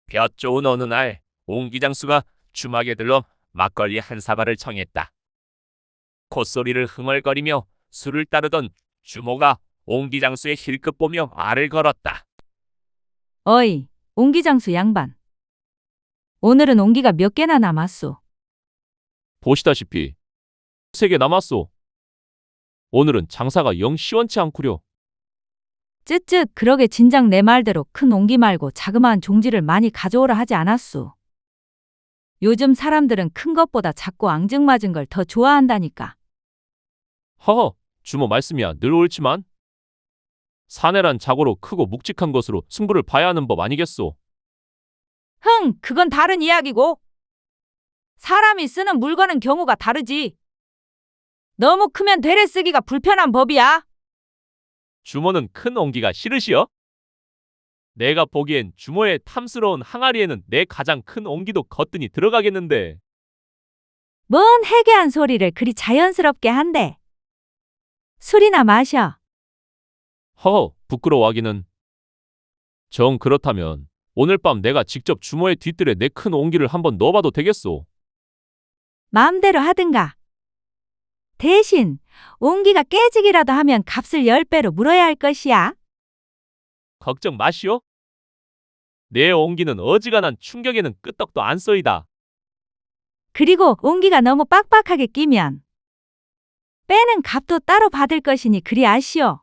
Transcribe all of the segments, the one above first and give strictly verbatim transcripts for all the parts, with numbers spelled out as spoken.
볕 좋은 어느 날 옹기장수가 주막에 들러 막걸리 한 사발을 청했다. 콧소리를 흥얼거리며 술을 따르던 주모가 옹기장수의 힐끗 보며 말을 걸었다. 어이, 옹기장수 양반. 오늘은 옹기가 몇 개나 남았소? 보시다시피 세 개 남았소. 오늘은 장사가 영 시원치 않구려. 쯧쯧, 그러게 진작 내 말대로 큰 옹기 말고 자그마한 종지를 많이 가져오라 하지 않았소. 요즘 사람들은 큰 것보다 작고 앙증맞은 걸 더 좋아한다니까. 허허, 주모 말씀이야 늘 옳지만 사내란 자고로 크고 묵직한 것으로 승부를 봐야 하는 법 아니겠소. 흥, 그건 다른 이야기고. 사람이 쓰는 물건은 경우가 다르지. 너무 크면 되레 쓰기가 불편한 법이야. 주모는 큰 옹기가 싫으시여? 내가 보기엔 주모의 탐스러운 항아리에는 내 가장 큰 옹기도 거뜬히 들어가겠는데. 뭔 해괴한 소리를 그리 자연스럽게 한대. 술이나 마셔. 허허, 부끄러워하기는. 정 그렇다면 오늘 밤 내가 직접 주모의 뒤뜰에 내 큰 옹기를 한번 넣어봐도 되겠소. 마음대로 하든가. 대신 옹기가 깨지기라도 하면 값을 열 배로 물어야 할 것이야. 걱정 마시오. 내 옹기는 어지간한 충격에는 끄떡도 안 쏘이다. 그리고 옹기가 너무 빡빡하게 끼면 빼는 값도 따로 받을 것이니 그리 아시오.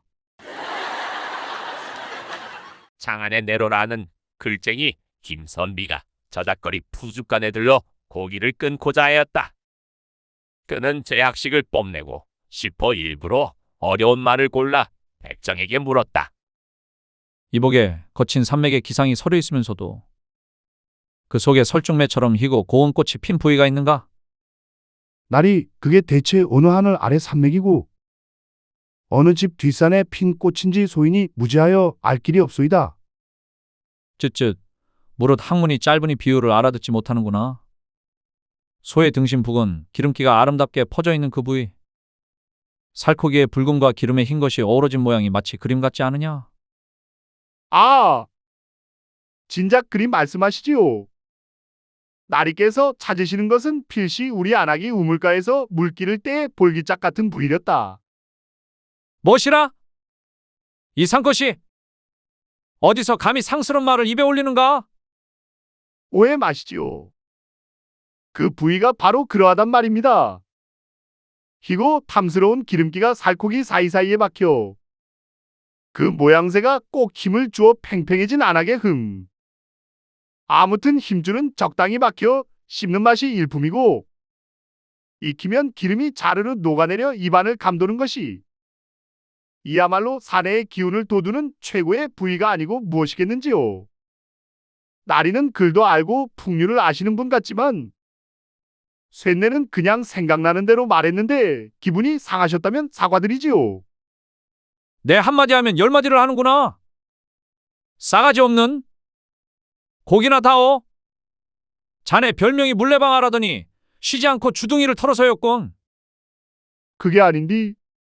장안에 내로라는 글쟁이 김선비가 저작거리 푸죽간에 들러 고기를 끊고자 하였다. 그는 제약식을 뽐내고 싶어 일부러 어려운 말을 골라 백정에게 물었다. 이복에 거친 산맥의 기상이 서려 있으면서도 그 속에 설중매처럼 희고 고운 꽃이 핀 부위가 있는가? 날이 그게 대체 어느 하늘 아래 산맥이고 어느 집 뒷산에 핀 꽃인지 소인이 무지하여 알 길이 없소이다. 쯧쯧, 무릇 학문이 짧으니 비유를 알아듣지 못하는구나. 소의 등심 북은 기름기가 아름답게 퍼져 있는 그 부위. 살코기의 붉음과 기름의 흰 것이 어우러진 모양이 마치 그림 같지 않으냐? 아, 진작 그리 말씀하시지요. 나리께서 찾으시는 것은 필시 우리 안악이 우물가에서 물기를 때 볼기짝 같은 부위렸다. 무엇이라? 이 상것이 어디서 감히 상스러운 말을 입에 올리는가? 오해 마시지요. 그 부위가 바로 그러하단 말입니다. 희고 탐스러운 기름기가 살코기 사이사이에 박혀 그 모양새가 꼭 힘을 주어 팽팽해진 안악의 흠. 아무튼 힘줄은 적당히 박혀 씹는 맛이 일품이고 익히면 기름이 자르르 녹아내려 입안을 감도는 것이 이야말로 사내의 기운을 돋우는 최고의 부위가 아니고 무엇이겠는지요. 나리는 글도 알고 풍류를 아시는 분 같지만 쇳내는 그냥 생각나는 대로 말했는데 기분이 상하셨다면 사과드리지요. 내 한마디 하면 열마디를 하는구나. 싸가지 없는 고기나 다오. 자네 별명이 물레방아라더니 쉬지 않고 주둥이를 털어서였군. 그게 아닌디.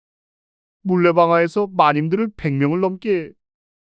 물레방아에서 마님들을 백 명을 넘게.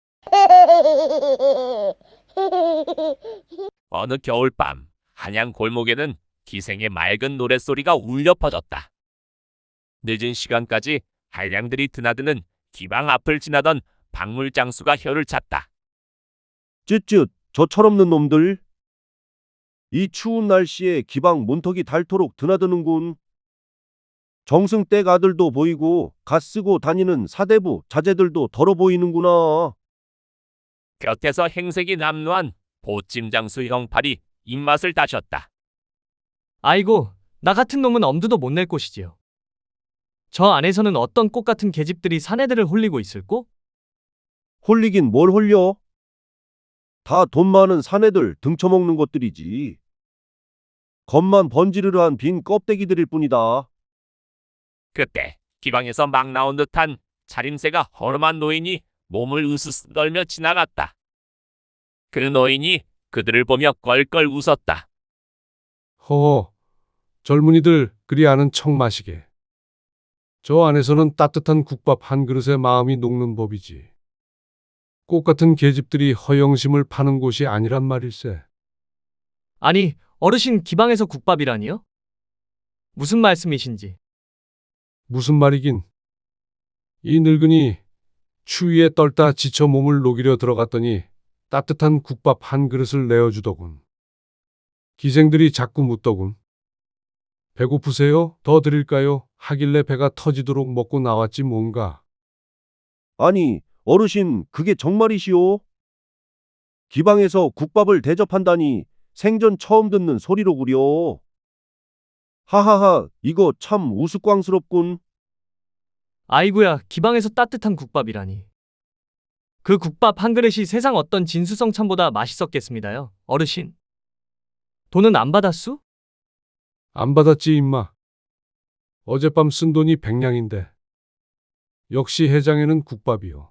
어느 겨울밤 한양 골목에는 기생의 맑은 노랫소리가 울려 퍼졌다. 늦은 시간까지 한량들이 드나드는 기방 앞을 지나던 박물장수가 혀를 찼다. 쯧쯧, 저 철없는 놈들. 이 추운 날씨에 기방 문턱이 닳도록 드나드는군. 정승댁 아들도 보이고 갓 쓰고 다니는 사대부 자제들도 더러 보이는구나. 곁에서 행색이 남루한 보찜장수 형팔이 입맛을 다셨다. 아이고, 나 같은 놈은 엄두도 못 낼 곳이지요. 저 안에서는 어떤 꽃 같은 계집들이 사내들을 홀리고 있을꼬? 홀리긴 뭘 홀려? 다 돈 많은 사내들 등쳐먹는 것들이지. 겉만 번지르르한 빈 껍데기들일 뿐이다. 그때 기방에서 막 나온 듯한 차림새가 허름한 노인이 몸을 으스스 떨며 지나갔다. 그 노인이 그들을 보며 껄껄 웃었다. 허허, 젊은이들 그리 아는 척 마시게. 저 안에서는 따뜻한 국밥 한 그릇에 마음이 녹는 법이지. 꽃 같은 계집들이 허영심을 파는 곳이 아니란 말일세. 아니, 어르신 기방에서 국밥이라니요? 무슨 말씀이신지. 무슨 말이긴. 이 늙은이 추위에 떨다 지쳐 몸을 녹이려 들어갔더니 따뜻한 국밥 한 그릇을 내어주더군. 기생들이 자꾸 묻더군. 배고프세요? 더 드릴까요? 하길래 배가 터지도록 먹고 나왔지 뭔가. 아니, 어르신, 그게 정말이시오? 기방에서 국밥을 대접한다니 생전 처음 듣는 소리로구려. 하하하, 이거 참 우스꽝스럽군. 아이고야, 기방에서 따뜻한 국밥이라니. 그 국밥 한 그릇이 세상 어떤 진수성찬보다 맛있었겠습니다요, 어르신. 돈은 안 받았수? 안 받았지 임마. 어젯밤 쓴 돈이 백냥인데. 역시 해장에는 국밥이요.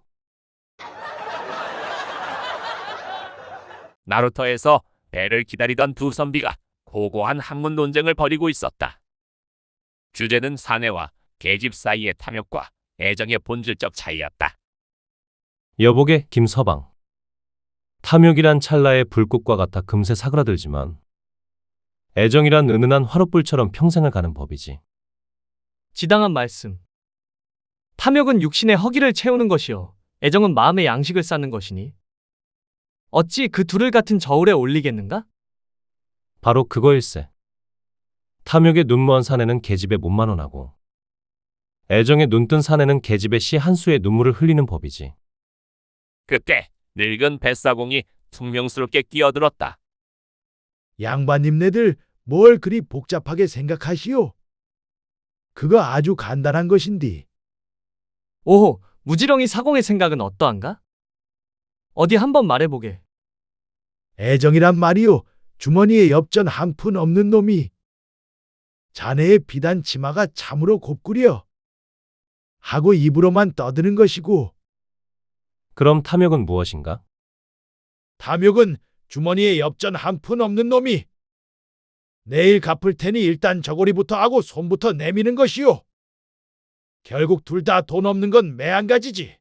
나루터에서 배를 기다리던 두 선비가 고고한 학문 논쟁을 벌이고 있었다. 주제는 사내와 계집 사이의 탐욕과 애정의 본질적 차이였다. 여복의 김서방. 탐욕이란 찰나의 불꽃과 같아 금세 사그라들지만 애정이란 은은한 화롯불처럼 평생을 가는 법이지. 지당한 말씀. 탐욕은 육신의 허기를 채우는 것이요. 애정은 마음의 양식을 쌓는 것이니. 어찌 그 둘을 같은 저울에 올리겠는가? 바로 그거일세. 탐욕의 눈먼 사내는 계집에 몸만 원하고 애정의 눈뜬 사내는 계집의 씨 한 수의 눈물을 흘리는 법이지. 그때 늙은 뱃사공이 퉁명스럽게 끼어들었다. 양반님네들 뭘 그리 복잡하게 생각하시오? 그거 아주 간단한 것인디. 오호, 무지렁이 사공의 생각은 어떠한가? 어디 한번 말해보게. 애정이란 말이오. 주머니에 엽전 한 푼 없는 놈이 자네의 비단 치마가 참으로 곱구려 하고 입으로만 떠드는 것이고, 그럼 탐욕은 무엇인가? 탐욕은 주머니에 엽전 한 푼 없는 놈이 내일 갚을 테니 일단 저고리부터 하고 손부터 내미는 것이오. 결국 둘 다 돈 없는 건 매한가지지.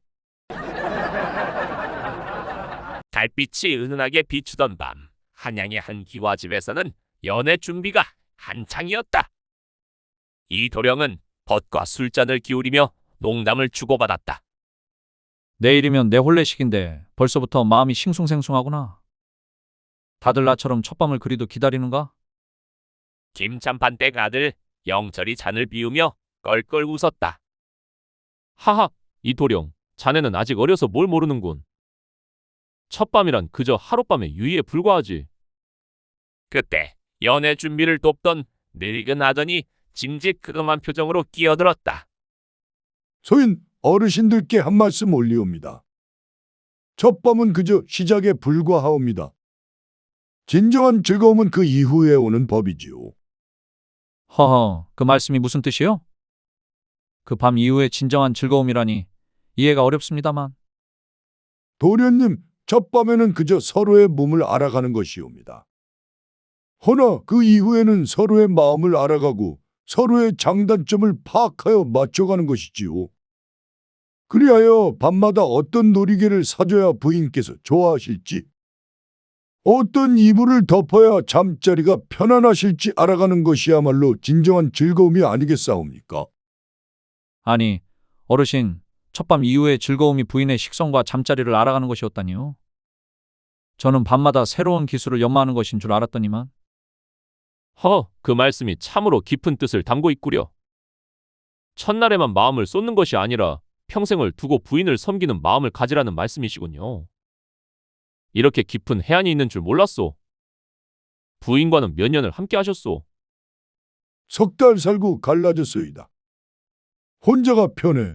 달빛이 은은하게 비추던 밤, 한양의 한 기와집에서는 연애 준비가 한창이었다. 이 도령은 벗과 술잔을 기울이며 농담을 주고받았다. 내일이면 내 혼례식인데 벌써부터 마음이 싱숭생숭하구나. 다들 나처럼 첫밤을 그리도 기다리는가? 김참판댁 아들 영철이 잔을 비우며 껄껄 웃었다. 하하, 이 도령, 자네는 아직 어려서 뭘 모르는군. 첫밤이란 그저 하룻밤의 유의에 불과하지. 그때 연애 준비를 돕던 늙은 아전이 징직그름한 표정으로 끼어들었다. 소인 어르신들께 한 말씀 올리옵니다. 첫밤은 그저 시작에 불과하옵니다. 진정한 즐거움은 그 이후에 오는 법이지요. 허허, 그 말씀이 무슨 뜻이요? 그 밤 이후에 진정한 즐거움이라니 이해가 어렵습니다만. 도련님, 첫밤에는 그저 서로의 몸을 알아가는 것이옵니다. 허나 그 이후에는 서로의 마음을 알아가고 서로의 장단점을 파악하여 맞춰가는 것이지요. 그리하여 밤마다 어떤 놀이개를 사줘야 부인께서 좋아하실지, 어떤 이불을 덮어야 잠자리가 편안하실지 알아가는 것이야말로 진정한 즐거움이 아니겠사옵니까? 아니, 어르신, 첫밤 이후의 즐거움이 부인의 식성과 잠자리를 알아가는 것이었다니요. 저는 밤마다 새로운 기술을 연마하는 것인 줄 알았더니만. 허, 그 말씀이 참으로 깊은 뜻을 담고 있구려. 첫날에만 마음을 쏟는 것이 아니라 평생을 두고 부인을 섬기는 마음을 가지라는 말씀이시군요. 이렇게 깊은 해안이 있는 줄 몰랐소. 부인과는 몇 년을 함께 하셨소? 석 달 살고 갈라졌소이다. 혼자가 편해.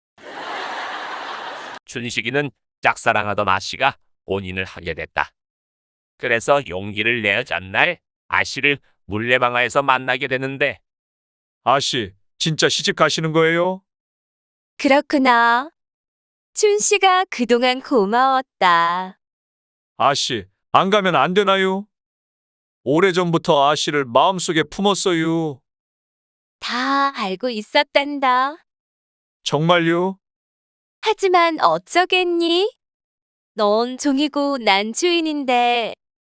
춘식이는 짝사랑하던 아씨가 혼인을 하게 됐다. 그래서 용기를 내어 전날 아씨를 물레방아에서 만나게 되는데, 아씨, 진짜 시집 가시는 거예요? 그렇구나. 춘 씨가 그동안 고마웠다. 아씨, 안 가면 안 되나요? 오래전부터 아씨를 마음속에 품었어요. 다 알고 있었단다. 정말요? 하지만 어쩌겠니? 넌 종이고 난 주인인데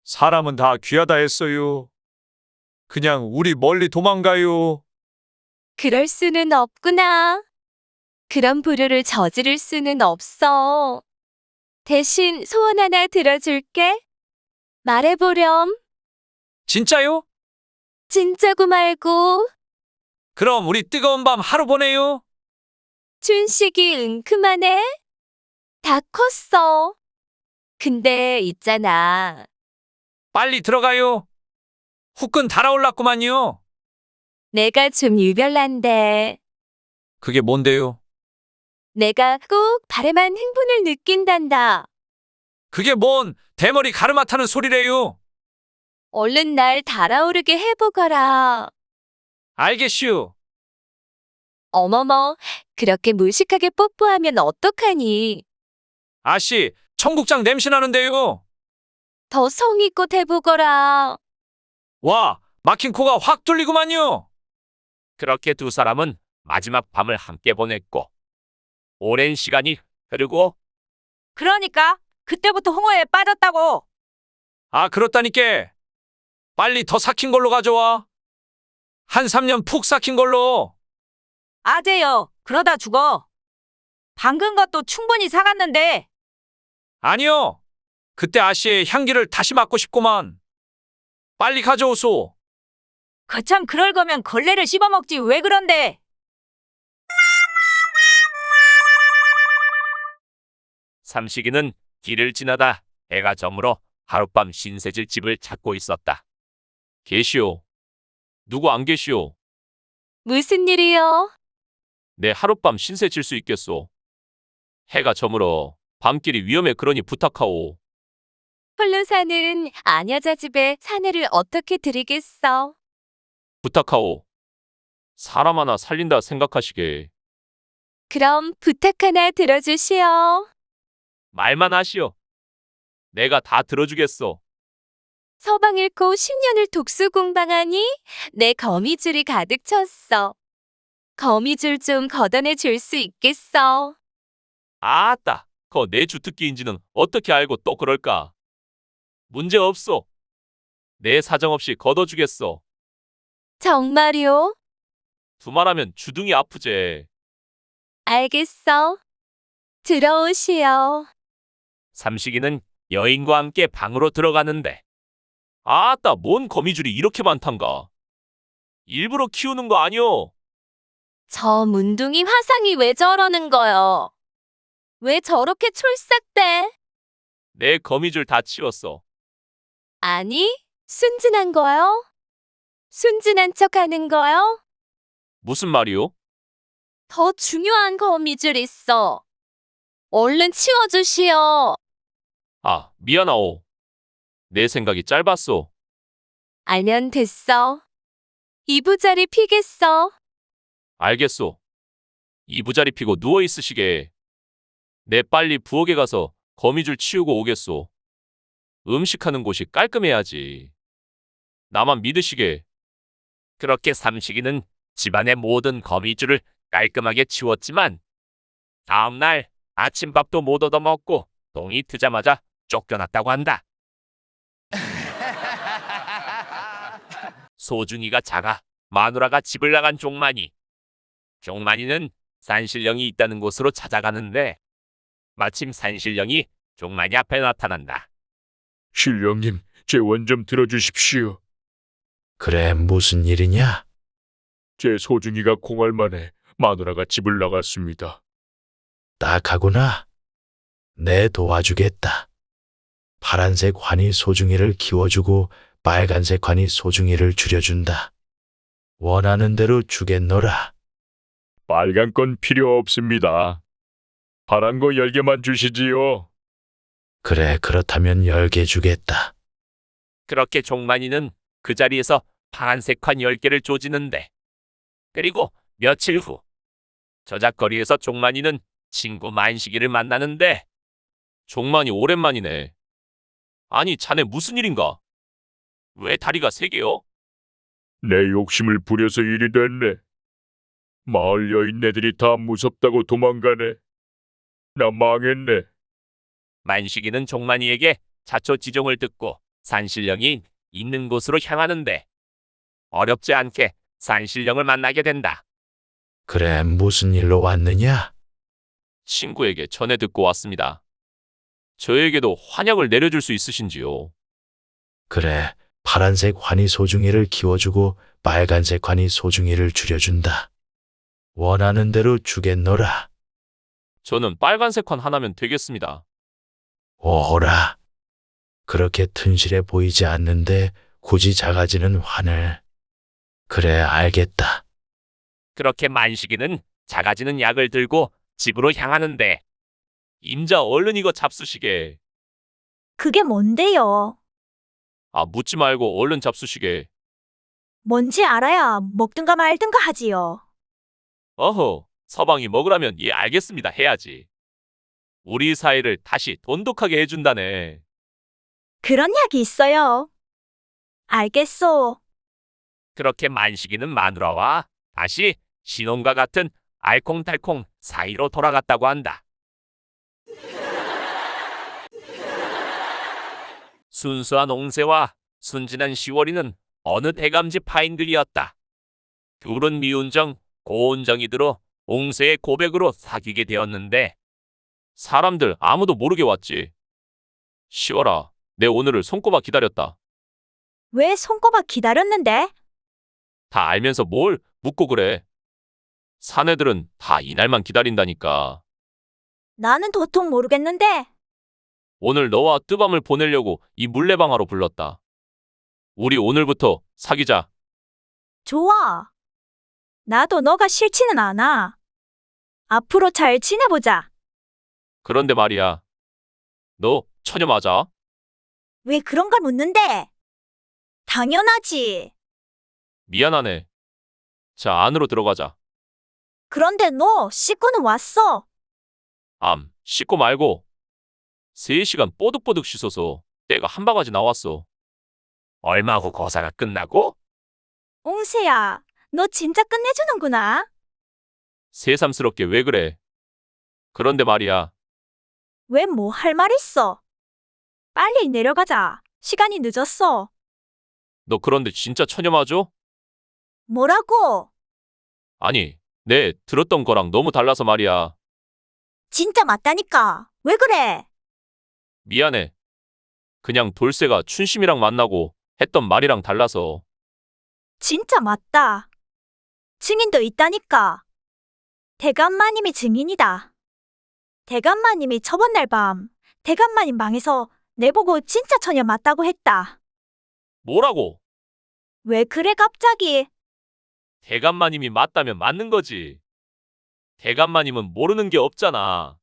사람은 다 귀하다 했어요. 그냥 우리 멀리 도망가요. 그럴 수는 없구나. 그런 불효를 저지를 수는 없어. 대신 소원 하나 들어줄게. 말해보렴. 진짜요? 진짜고 말고. 그럼 우리 뜨거운 밤 하루 보내요. 춘식이 은큼하네. 다 컸어. 근데 있잖아. 빨리 들어가요. 후끈 달아올랐구만요. 내가 좀 유별난데. 그게 뭔데요? 내가 꼭 바래만 흥분을 느낀단다. 그게 뭔 대머리 가르마 타는 소리래요. 얼른 날 달아오르게 해보거라. 알겠슈. 어머머, 그렇게 무식하게 뽀뽀하면 어떡하니? 아씨, 청국장 냄새 나는데요. 더 성의껏 해보거라. 와, 막힌 코가 확 뚫리구만요. 그렇게 두 사람은 마지막 밤을 함께 보냈고 오랜 시간이 흐르고 그러니까 그때부터 홍어에 빠졌다고. 아, 그렇다니까. 빨리 더 삭힌 걸로 가져와. 한 삼 년 푹 삭힌 걸로. 아재여, 그러다 죽어. 방금 것도 충분히 사갔는데. 아니요. 그때 아씨의 향기를 다시 맡고 싶구만. 빨리 가져오소. 거참 그럴 거면 걸레를 씹어먹지 왜 그런데. 삼식이는 길을 지나다 해가 저물어 하룻밤 신세질 집을 찾고 있었다. 계시오. 누구 안 계시오? 무슨 일이요? 내 하룻밤 신세 질 수 있겠소. 해가 저물어 밤길이 위험해 그러니 부탁하오. 홀로 사는 아녀자 집에 사내를 어떻게 드리겠어? 부탁하오. 사람 하나 살린다 생각하시게. 그럼 부탁 하나 들어주시오. 말만 하시오. 내가 다 들어주겠소. 서방 읽고 십 년을 독수 공방하니 내 거미줄이 가득 찼어. 거미줄 좀 걷어내 줄 수 있겠어? 아따, 거 내 주특기인지는 어떻게 알고 또 그럴까? 문제 없소. 내 사정없이 걷어주겠소. 정말요? 두말하면 주둥이 아프제. 알겠어. 들어오시오. 삼식이는 여인과 함께 방으로 들어가는데 아따, 뭔 거미줄이 이렇게 많단가. 일부러 키우는 거 아니오? 저 문둥이 화상이 왜 저러는 거요? 왜 저렇게 촐싹대? 내 거미줄 다 치웠어. 아니, 순진한 거요? 순진한 척 하는 거요? 무슨 말이오? 더 중요한 거미줄 있어. 얼른 치워주시오. 아, 미안하오. 내 생각이 짧았소. 알면 됐어. 이부자리 피겠어. 알겠소. 이부자리 피고 누워 있으시게. 내 빨리 부엌에 가서 거미줄 치우고 오겠소. 음식하는 곳이 깔끔해야지. 나만 믿으시게. 그렇게 삼식이는 집안의 모든 거미줄을 깔끔하게 치웠지만 다음 날 아침밥도 못 얻어먹고 동이 트자마자 쫓겨났다고 한다. 소중이가 자가 마누라가 집을 나간 종만이. 종만이는 산신령이 있다는 곳으로 찾아가는데 마침 산신령이 종만이 앞에 나타난다. 신령님, 제 원 좀 들어주십시오. 그래, 무슨 일이냐? 제 소중이가 공할 만에 마누라가 집을 나갔습니다. 딱하구나. 내 도와주겠다. 파란색 환이 소중이를 키워주고 빨간색 환이 소중이를 줄여준다. 원하는 대로 주겠노라. 빨간 건 필요 없습니다. 파란 거 열 개만 주시지요. 그래, 그렇다면 열 개 주겠다. 그렇게 종만이는 그 자리에서 파란색 환 열 개를 조지는데 그리고 며칠 후 저작거리에서 종만이는 친구 만식이를 만나는데 종만이 오랜만이네. 아니, 자네 무슨 일인가? 왜 다리가 세 개요? 내 욕심을 부려서 일이 됐네. 마을 여인네들이 다 무섭다고 도망가네. 나 망했네. 만식이는 종만이에게 자초지종을 듣고 산신령이 있는 곳으로 향하는데 어렵지 않게 산신령을 만나게 된다. 그래, 무슨 일로 왔느냐? 친구에게 전해 듣고 왔습니다. 저에게도 환약을 내려줄 수 있으신지요? 그래, 파란색 환희 소중이를 키워주고 빨간색 환희 소중이를 줄여준다. 원하는 대로 주겠노라. 저는 빨간색 환 하나면 되겠습니다. 오호라. 그렇게 튼실해 보이지 않는데 굳이 작아지는 환을. 그래, 알겠다. 그렇게 만식이는 작아지는 약을 들고 집으로 향하는데 임자 얼른 이거 잡수시게. 그게 뭔데요? 아, 묻지 말고 얼른 잡수시게. 뭔지 알아야 먹든가 말든가 하지요. 어허, 서방이 먹으라면 예 알겠습니다 해야지. 우리 사이를 다시 돈독하게 해준다네. 그런 약이 있어요. 알겠소. 그렇게 만식이는 마누라와 다시 신혼과 같은 알콩달콩 사이로 돌아갔다고 한다. 순수한 옹세와 순진한 시월이는 어느 대감집 파인들이었다. 둘은 미운정, 고운정이 들어 옹세의 고백으로 사귀게 되었는데 사람들 아무도 모르게 왔지. 시월아, 내 오늘을 손꼽아 기다렸다. 왜 손꼽아 기다렸는데? 다 알면서 뭘 묻고 그래. 사내들은 다 이날만 기다린다니까. 나는 도통 모르겠는데. 오늘 너와 뜨밤을 보내려고 이 물레방아로 불렀다. 우리 오늘부터 사귀자. 좋아. 나도 너가 싫지는 않아. 앞으로 잘 지내보자. 그런데 말이야. 너 처녀 맞아? 왜 그런 걸 묻는데? 당연하지. 미안하네. 자, 안으로 들어가자. 그런데 너 씻고는 왔어. 암, 씻고 말고. 세 시간 뽀득뽀득 씻어서 때가 한 바가지 나왔어. 얼마 후 거사가 끝나고? 옹세야, 너 진짜 끝내주는구나. 새삼스럽게 왜 그래? 그런데 말이야. 왜 뭐 할 말 있어? 빨리 내려가자. 시간이 늦었어. 너 그런데 진짜 처녀 맞아? 뭐라고? 아니, 내 들었던 거랑 너무 달라서 말이야. 진짜 맞다니까. 왜 그래? 미안해. 그냥 돌쇠가 춘심이랑 만나고 했던 말이랑 달라서. 진짜 맞다. 증인도 있다니까. 대감마님이 증인이다. 대감마님이 저번 날 밤 대감마님 방에서 내보고 진짜 처녀 맞다고 했다. 뭐라고? 왜 그래 갑자기? 대감마님이 맞다면 맞는 거지. 대감마님은 모르는 게 없잖아.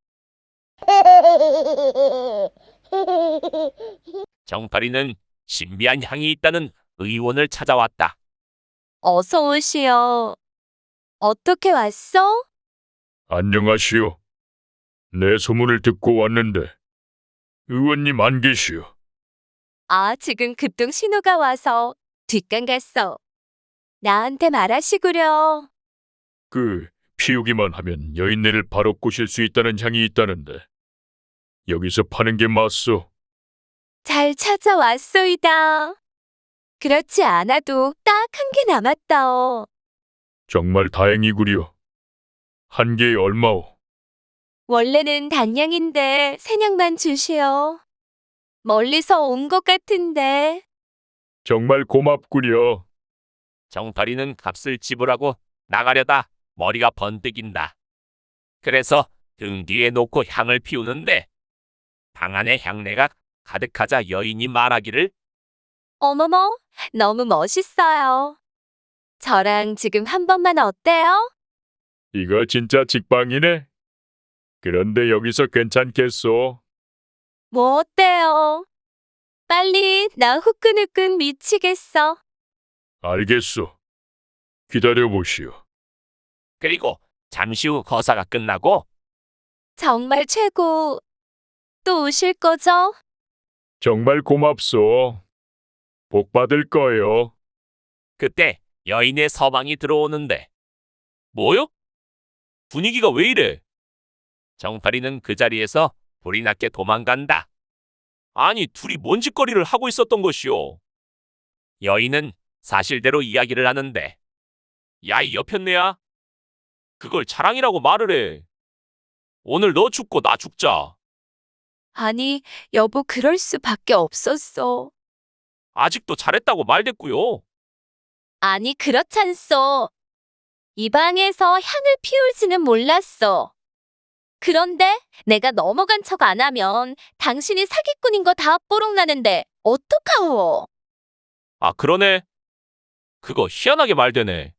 정팔이는 신비한 향이 있다는 의원을 찾아왔다. 어서 오시오. 어떻게 왔어? 안녕하시오. 내 소문을 듣고 왔는데 의원님 안 계시오. 아, 지금 급동 신호가 와서 뒷간 갔어. 나한테 말하시구려. 그 피우기만 하면 여인네를 바로 꼬실 수 있다는 향이 있다는데 여기서 파는 게 맞소? 잘 찾아왔소이다. 그렇지 않아도 딱 한 개 남았다오. 정말 다행이구려. 한 개에 얼마오? 원래는 단량인데 세냥만 주시오. 멀리서 온 것 같은데. 정말 고맙구려. 정팔이는 값을 지불하고 나가려다 머리가 번뜩인다. 그래서 등 뒤에 놓고 향을 피우는데 방 안에 향내가 가득하자 여인이 말하기를 어머머, 너무 멋있어요. 저랑 지금 한 번만 어때요? 이거 진짜 직방이네. 그런데 여기서 괜찮겠소? 뭐 어때요? 빨리 나 후끈후끈 미치겠어. 알겠소. 기다려보시오. 그리고 잠시 후 거사가 끝나고 정말 최고. 또 오실 거죠? 정말 고맙소. 복 받을 거요. 그때 여인의 서방이 들어오는데 뭐요? 분위기가 왜 이래? 정팔이는 그 자리에서 불이 났게 도망간다. 아니, 둘이 뭔 짓거리를 하고 있었던 것이오? 여인은 사실대로 이야기를 하는데, 야, 이 여편네야? 그걸 자랑이라고 말을 해. 오늘 너 죽고 나 죽자. 아니, 여보, 그럴 수밖에 없었어. 아직도 잘했다고 말댔고요. 아니, 그렇잖소. 이 방에서 향을 피울지는 몰랐어. 그런데 내가 넘어간 척 안 하면 당신이 사기꾼인 거 다 뽀록나는데 어떡하오? 아, 그러네. 그거 희한하게 말되네.